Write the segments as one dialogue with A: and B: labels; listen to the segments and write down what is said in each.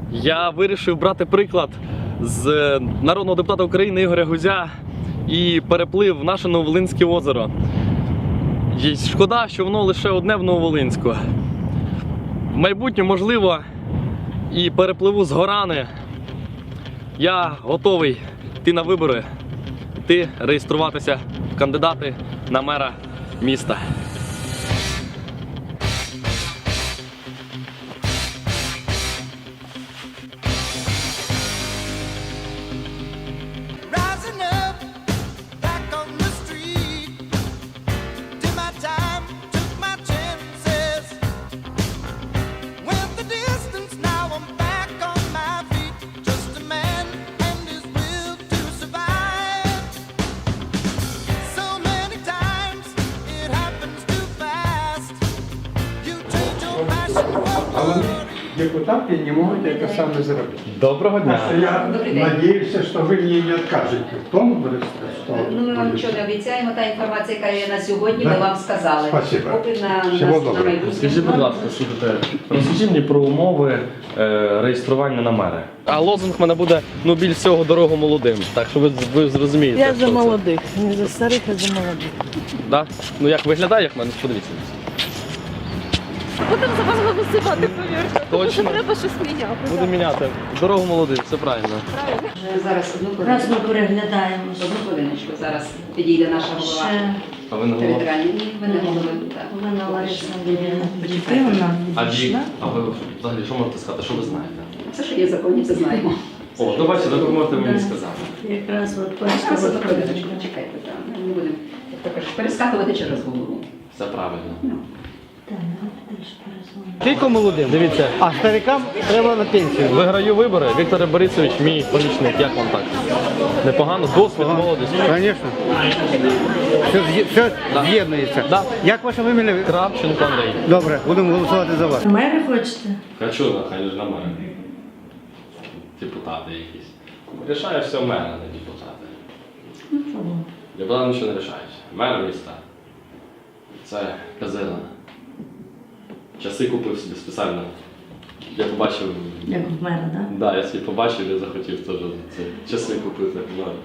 A: Я вирішив брати приклад з народного депутата України Ігоря Гузя і переплив в наше Нововолинське озеро. І шкода, що воно лише одне в Нововолинську. В майбутньому, можливо, і перепливу з Горани. Я готовий йти на вибори, йти реєструватися в кандидати на мера міста.
B: Депутаты не могут это самое сделать.
A: Доброго дня!
B: Я надеюсь, что вы мне не откажете в том, что...
C: Ну, ми вам нічого не обіцяємо, та інформація, яка є на сьогодні, ми вам сказали.
B: Спасибо.
C: Поки на
B: доброго.
A: Скажіть, будь ласка, слухайте, розкажіть мені про умови реєстрування на мера. А лозунг в мене буде, ну, більш всього дорогу молодим. Так що ви зрозумієте.
D: Я
A: що
D: за
A: це.
D: молодих, не за старих, а за молодих.
A: Да? Ну як виглядає, як в мене? Подивіться.
D: Будемо за вас голосувати, повірте.
A: Точно.
D: Треба щось міняти.
A: Буду міняти. Дорогу молодим, все правильно.
C: Зараз одну
E: Раз ми переглядаємо.
C: Одну хвилиночку. Зараз підійде наша голова
E: Ще
A: А ви не голова?
C: територіальної. Ні, ви не голови. Так.
E: Олена Лариса Андріївна
C: Почекайте.
E: Дмитрівна
A: А вік?
E: відійшла.
A: А ви взагалі що можете сказати? Що ви знаєте?
C: Все, що є в законі, це знаємо.
A: О, ну бачите, ви можете мені
E: Да.
A: сказати.
E: Якраз от
C: Зараз
E: пані
C: одну хвилиночку. Чекайте, так. Ми не будемо, як то кажуть, перескакувати через голову.
A: Все правильно.
C: Ну.
E: Так, давайте теж перезвонимо.
F: Тільки молодим.
A: Дивіться,
F: А старикам треба на пенсію.
A: виграю вибори. Віктор Борисович, мій помічник. Як вам так? Непогано? Досвід, молодість.
F: Звісно. Все з'єднується.
A: Да.
F: Як ваше вимілля?
A: Кравченко Андрій.
F: Добре, будемо голосувати за вас.
E: Мери хочете?
A: Хочу, хай ж на мене. Депутати якісь. Рішає все мера, не депутати.
E: Ну чого?
A: Депутати нічого не рішають. Мер міста. Це казина. Часи купив собі спеціально. Я побачив.
E: Як в мера, так?
A: Да, я собі побачив і захотів теж ці часи купити.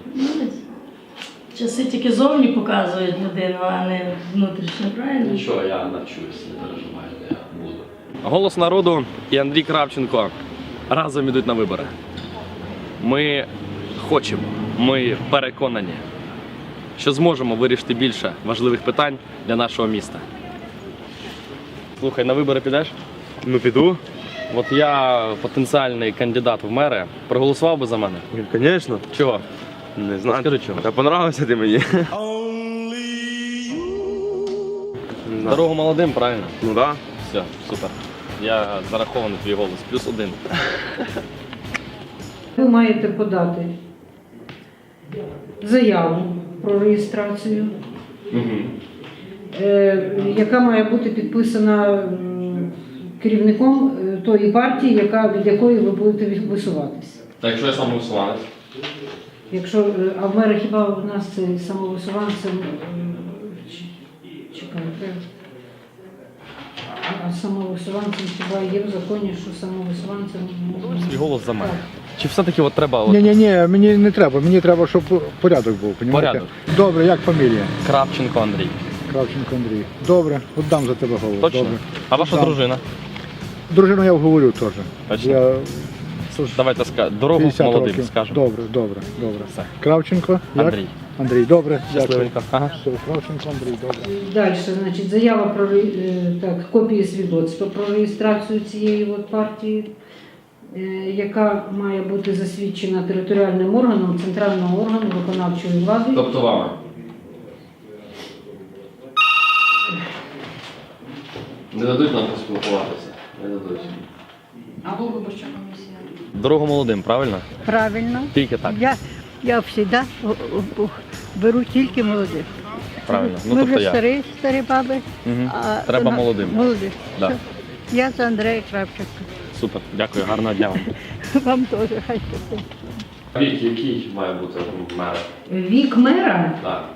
E: Часи тільки зовні показують людину, а не внутрішньо, правильно?
A: Нічого, я навчусь, не переживайте, я буду. Голос народу і Андрій Кравченко разом ідуть на вибори. Ми хочемо, ми переконані, що зможемо вирішити більше важливих питань для нашого міста. Слухай, на вибори підеш?
G: Ну піду.
A: От я потенціальний кандидат в мери. Проголосував би за мене?
G: Звісно.
A: Чого?
G: Не знаю.
A: Скажи чого.
G: Та понравився ти мені.
A: Дорогу молодим, правильно?
G: Ну так.
A: Все, супер. Я зарахований твій голос. +1.
H: Ви маєте подати заяву про реєстрацію, яка має бути підписана керівником тої партії, від якої ви будете висуватися.
A: Так якщо я самовисуванець?
H: Якщо, а в мера хіба у нас це самовисуванцем, чекайте, а самовисуванцем хіба є в законі, що самовисуванцем...
A: Свій голос за мене. Чи все-таки от треба... От...
B: Ні, мені не треба. Мені треба, щоб порядок був, понімаєте?
A: Порядок.
B: Добре, як фамілія?
A: Кравченко Андрій.
B: Кравченко Андрій. Добре, віддам за тебе голос.
A: Точно?
B: Добре.
A: А ваша
B: Віддам.
A: дружина?
B: Дружину я вговорю теж.
A: Точно?
B: Я
A: Давайте дорогу
B: 50
A: молодим
B: років.
A: скажемо.
B: Добре.
A: Все.
B: Кравченко. Як?
A: Андрій.
B: Андрій, добре.
A: Щасливенько. Ага.
B: Все, Кравченко Андрій, добре.
H: Далі, значить, заява про копії свідоцтва про реєстрацію цієї от партії, яка має бути засвідчена територіальним органом центрального органу виконавчої влади.
A: Тобто вами? Не дадуть нам поспілкуватися. Не дадуть.
C: Або виборча комісія.
A: Дорогу молодим, правильно?
D: Правильно.
A: Тільки так.
D: Я завжди беру тільки молодих.
A: Правильно. Ну
D: Ми
A: тобто
D: вже
A: я.
D: старі баби.
A: Мгм.
D: А
A: Треба молодим.
D: Молодих.
A: Да.
D: Все. Я за Андрея Кравченка.
A: Супер. Дякую. Гарного дня вам.
D: Вам теж хай щастить.
A: Вік, який має бути мер?
H: Вік мера,
A: Так.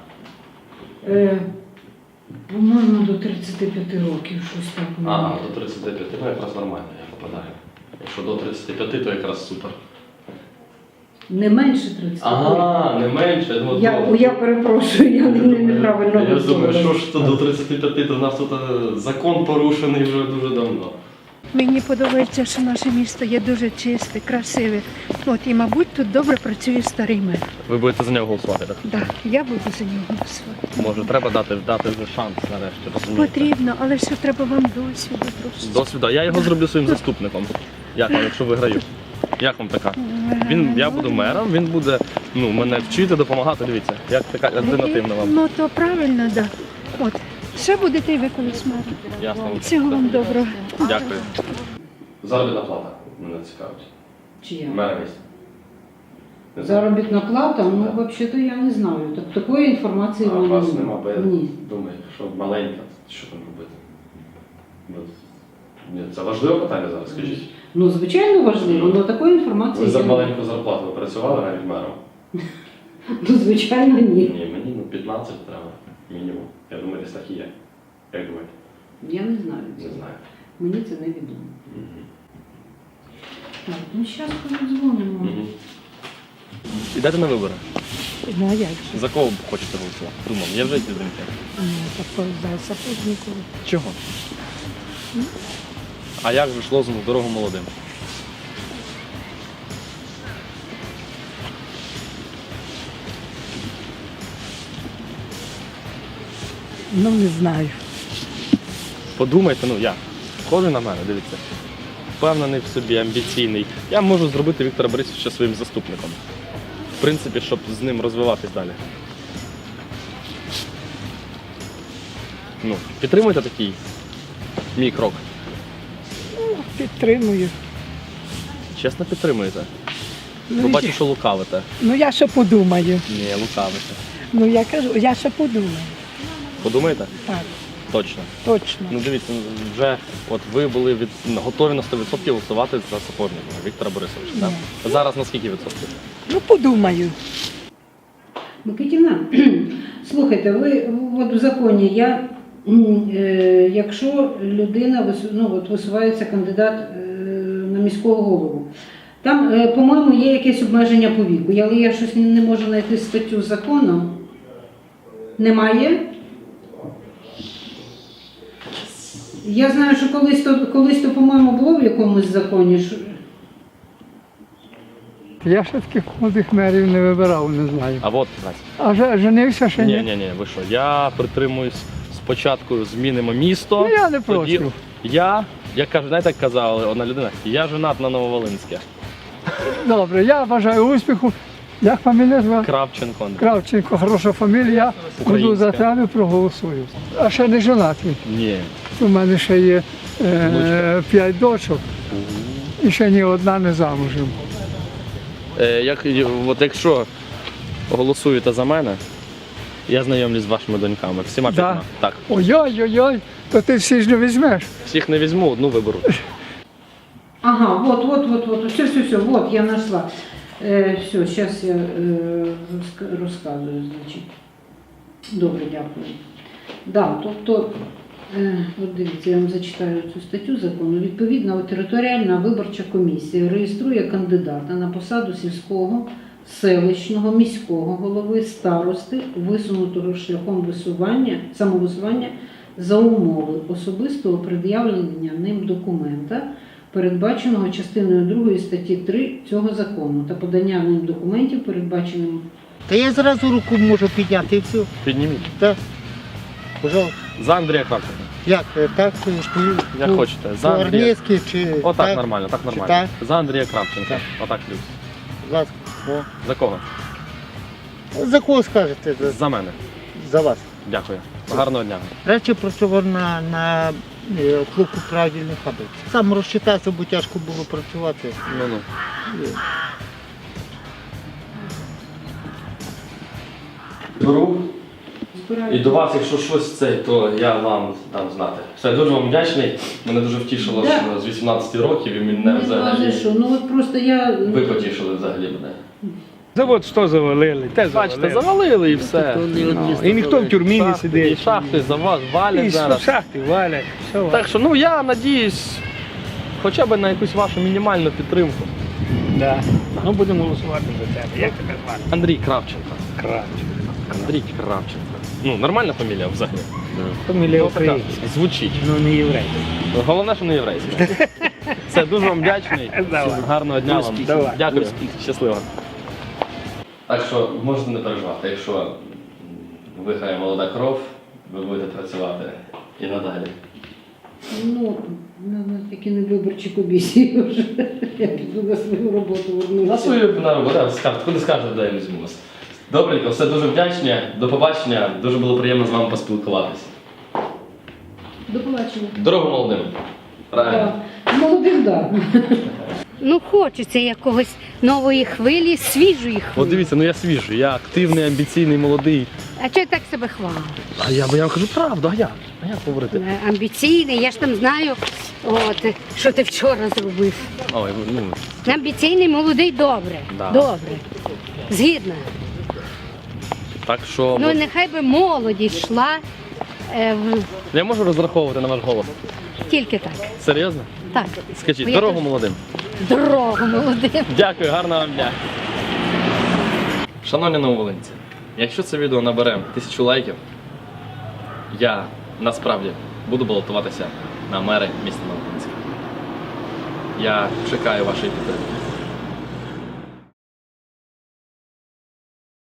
H: по-моєму, до 35 років, щось так.
A: А, до 35. Ну якраз нормально, я попадаю. Якщо до 35, то якраз супер.
H: Не менше 30.
A: Ага, не менше. Я думаю,
H: Я перепрошую, я неправильно
A: Я думаю,
H: висловила.
A: що ж то до 35, то в нас тут закон порушений вже дуже давно.
D: Мені подобається, що наше місто є дуже чисте, красиве. От і, мабуть, тут добре працює старий мер.
A: Ви будете за нього голосувати, так?
D: Да, я буду за нього голосувати.
A: Може, треба дати вже шанс нарешті, розумієте?
D: Потрібно, але що треба вам досвіду просто.
A: Досвіда. Я його зроблю своїм заступником. Як вам, якщо виграю? Як вам така? Я буду мером, він буде мене вчити, допомагати. Дивіться, як така альтернативна вам.
D: Ну то правильно, так. Да. От. Ще будете і ви колись мером.
A: Ясно.
D: Всього вам доброго.
A: Дякую. Заробітна плата мене цікавить.
H: Чия?
A: Мера місця.
H: Заробітна плата, ну,
A: Да.
H: взагалі-то я не знаю. Такої інформації
A: А у
H: в
A: вас
H: мене
A: нема, бо я
H: Ні.
A: думаю, що маленька, що там робити? Ні, це важливе питання зараз, скажіть.
H: Ну, звичайно, важливо, але такої інформації
A: Ви за
H: я не-
A: маленьку зарплату працювали навіть мером?
H: Ну, звичайно, ні.
A: Ні, мені 15 треба, мінімум. Я думаю, десь так і є. Як думаєте?
H: Я не знаю.
A: Не знаю.
H: Мені це не відомо.
A: Мгм.
H: Так, ну зараз подзвонимо.
A: Мгм. Ідете на вибори?
D: Ну а як же?
A: За кого б хочете голосувати? Думав, є вже якісь думки?
D: Такого за Сапожникову.
A: Чого? А як же ж лозунг «Дорогу молодим»?
D: Ну не знаю.
A: Подумайте, я. Схожий на мене, дивіться. Впевнений в собі, амбіційний. Я можу зробити Віктора Борисовича своїм заступником. В принципі, щоб з ним розвиватись далі. Підтримуйте такий мій крок.
D: Підтримую.
A: Чесно підтримуєте? Бо бачу, що лукавите.
D: Ну я ще подумаю.
A: Ні, лукавите.
D: Ну я кажу, я ще подумаю.
A: Подумаєте?
D: Так,
A: Точно.
D: точно.
A: Дивіться, вже ви були готові на 100% голосувати за Сапожника Віктора Борисовича. Так? Зараз на скільки відсотків?
D: Ну подумаю.
H: Микитівна, слухайте, ви от в законі, якщо людина висувається кандидат на міського голову, там, по-моєму, є якесь обмеження по віку, але я щось не можу знайти статтю закону. Немає? Я знаю, що колись то, по-моєму, було в якомусь законі.
I: Я ще таких молодих мерів не вибирав, не знаю.
A: А от, Настя.
I: А женився ще ні?
A: Ні, ви що, я притримуюсь спочатку змінимо місто.
I: Ну, я не
A: тоді
I: проти.
A: як кажу, знаєте, як казала одна людина, я женат на Нововолинське.
I: Добре, я бажаю успіху. Як фамілія звати?
A: Кравченко Андрій.
I: Кравченко, хороша фамілія. Буду за тебе проголосую. А ще не женатий.
A: Ні.
I: У мене ще є 5 дочок. І ще ні одна не замужем.
A: Якщо голосуєте за мене, я знайомлюсь з вашими доньками. Всіма
I: Да?
A: 5. Так.
I: Ой-ой-ой, то ти всі ж не візьмеш.
A: Всіх не візьму, одну виберу.
H: Ага, вот, все, вот, я нашла. Все, сейчас я розказую, значить. Добре, дякую. Да, тобто, от дивіться, я вам зачитаю цю статтю закону. Відповідно, територіальна виборча комісія реєструє кандидата на посаду сільського, селищного, міського голови, старости, висунутого шляхом самовисування за умови особистого пред'явлення ним документа, передбаченого частиною 2 статті 3 цього закону, та подання ним документів, передбаченим.
F: Та я зразу руку можу підняти і все.
A: Підніміть.
F: Так. Пожалуйста.
A: За Андрія Кравченка.
F: Як? Так?
A: Як хочете. За Андрія.
F: По-армійськи чи
A: Отак
F: так?
A: нормально, так
F: Чи
A: нормально.
F: так?
A: За Андрія Кравченка.
F: Так.
A: Отак плюс.
F: Будь ласка. О.
A: За кого?
F: За кого скажете?
A: За мене.
F: За вас.
A: Дякую. Гарного дня.
F: Раніше працював на плугу правильних фабрик. Сам розчитався, бо тяжко було працювати.
A: Ну. Беру. І до вас, якщо щось це, то я вам дам знати. Все, дуже вам вдячний. Мене дуже втішило,
H: Да.
A: що з 18 років і мене
H: Не
A: взагалі.
H: що, ну от просто я.
A: Ви потішили взагалі мене.
I: Завод 100 завалили, те
A: Бачите, завалили і все.
I: І ніхто в тюрмі не
A: І
I: сидить.
A: шахти за вас валять
I: І
A: зараз.
I: шахти валять. Все
A: Так що, я надіюсь, хоча б на якусь вашу мінімальну підтримку.
J: Да. Ну будемо голосувати за тебе. Як тебе звати?
A: Андрій Кравченко.
J: Кравченко.
A: Андрій Кравченко. Ну, нормальна фамілія взагалі.
J: Фамілія
A: Ну, така,
J: українська.
A: звучить.
J: Ну не єврей.
A: Головне, що не єврейська. Все, дуже вам вдячний.
J: Давай.
A: Гарного дня вам.
J: Давай.
A: Дякую. Щасливо. Так що можете не переживати, якщо виграє молода кров, ви будете працювати і надалі.
H: Ну, тільки не виборчі комісії вже. Я піду на свою роботу вернуся.
A: На свою на роботу, скажете, куди скажете, де я візьму вас. Добренько, все дуже вдячні. До побачення. Дуже було приємно з вами поспілкуватися.
H: До побачення.
A: Дорогу молодим. Правильно.
H: Молодим, так.
K: Ну, хочеться якогось нової хвилі, свіжої
A: От
K: хвилі.
A: дивіться, ну я свіжий, я активний, амбіційний, молодий.
K: А чого так себе хвалиш?
A: А я вам кажу правду, а як? А як говорити?
K: Амбіційний, я ж там знаю, от, що ти вчора зробив.
A: Ой, ну,
K: Амбіційний, молодий, добре.
A: Да.
K: Добре. Згідна.
A: так що...
K: Ну, нехай би молодість йшла
A: Я можу розраховувати на ваш голос?
K: тільки так.
A: Серйозно?
K: Так.
A: Скажіть,
K: Бо я
A: дорогу
K: теж-
A: молодим.
K: Дорогу молодим.
A: Дякую, гарного вам дня. Шановні нововолинці, якщо це відео набере 1000 лайків, я насправді буду балотуватися на мери міста Нововолинська. Я чекаю вашої підтримки.